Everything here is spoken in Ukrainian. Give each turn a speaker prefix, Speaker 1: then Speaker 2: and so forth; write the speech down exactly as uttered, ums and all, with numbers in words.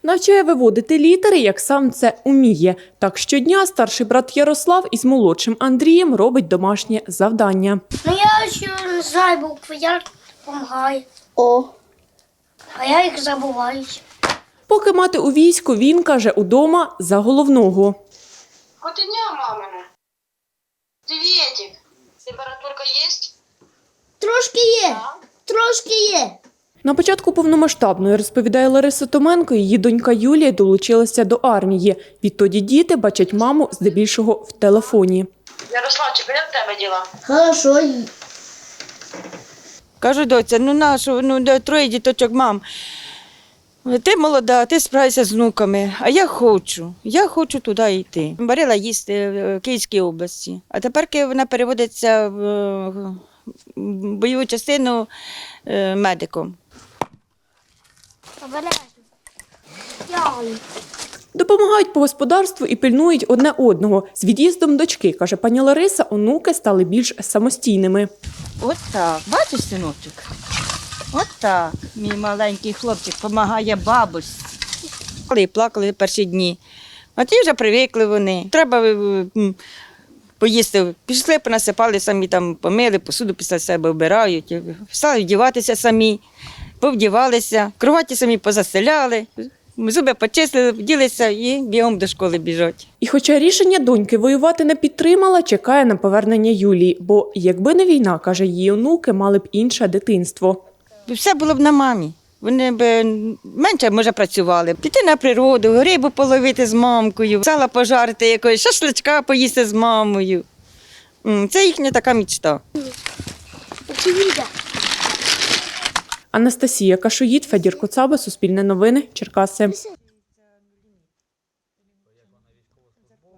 Speaker 1: Навчає виводити літери, як сам це уміє. Так щодня старший брат Ярослав із молодшим Андрієм робить домашнє завдання.
Speaker 2: Ну я ще не знаю букви, я допомагаю.
Speaker 3: О.
Speaker 2: А я їх забуваю.
Speaker 1: Поки мати у війську, він, каже, удома за головного.
Speaker 4: Котеня мамина. Приветик. Температурка є?
Speaker 3: Трошки є, трошки є.
Speaker 1: На початку повномасштабної, розповідає Лариса Томенко, її донька Юлія долучилася до армії. Відтоді діти бачать маму здебільшого в телефоні.
Speaker 4: Ярославчик, як в тебе діла?
Speaker 3: Хорошо.
Speaker 5: Кажу, доця, ну нашу, ну де троє діточок, мам. Ти молода, ти справишся з внуками, а я хочу, я хочу туди йти. Варила їсти в Київській області, а тепер вона переводиться в бойову частину медиком.
Speaker 1: Допомагають по господарству і пильнують одне одного. З від'їздом дочки, каже пані Лариса, онуки стали більш самостійними.
Speaker 5: От так, бачиш, синочок? От так, мій маленький хлопчик допомагає бабусі. І плакали перші дні. А ті вже привикли вони. Треба м, поїсти. Пішли, понасипали, самі там помили, посуду після себе вбирають. Стали вдіватися самі, повдівалися, кроваті самі позастеляли, зуби почистили, вділися і бігом до школи біжать.
Speaker 1: І хоча рішення доньки воювати не підтримала, чекає на повернення Юлії. Бо якби не війна, каже, її онуки мали б інше дитинство.
Speaker 5: Все було б на мамі. Вони б менше, може, працювали. Піти на природу, рибу половити з мамкою, сала пожарити якось, шашличка поїсти з мамою. Це їхня така мечта.
Speaker 1: Анастасія Кашоїд, Федір Коцаба, Суспільне новини, Черкаси.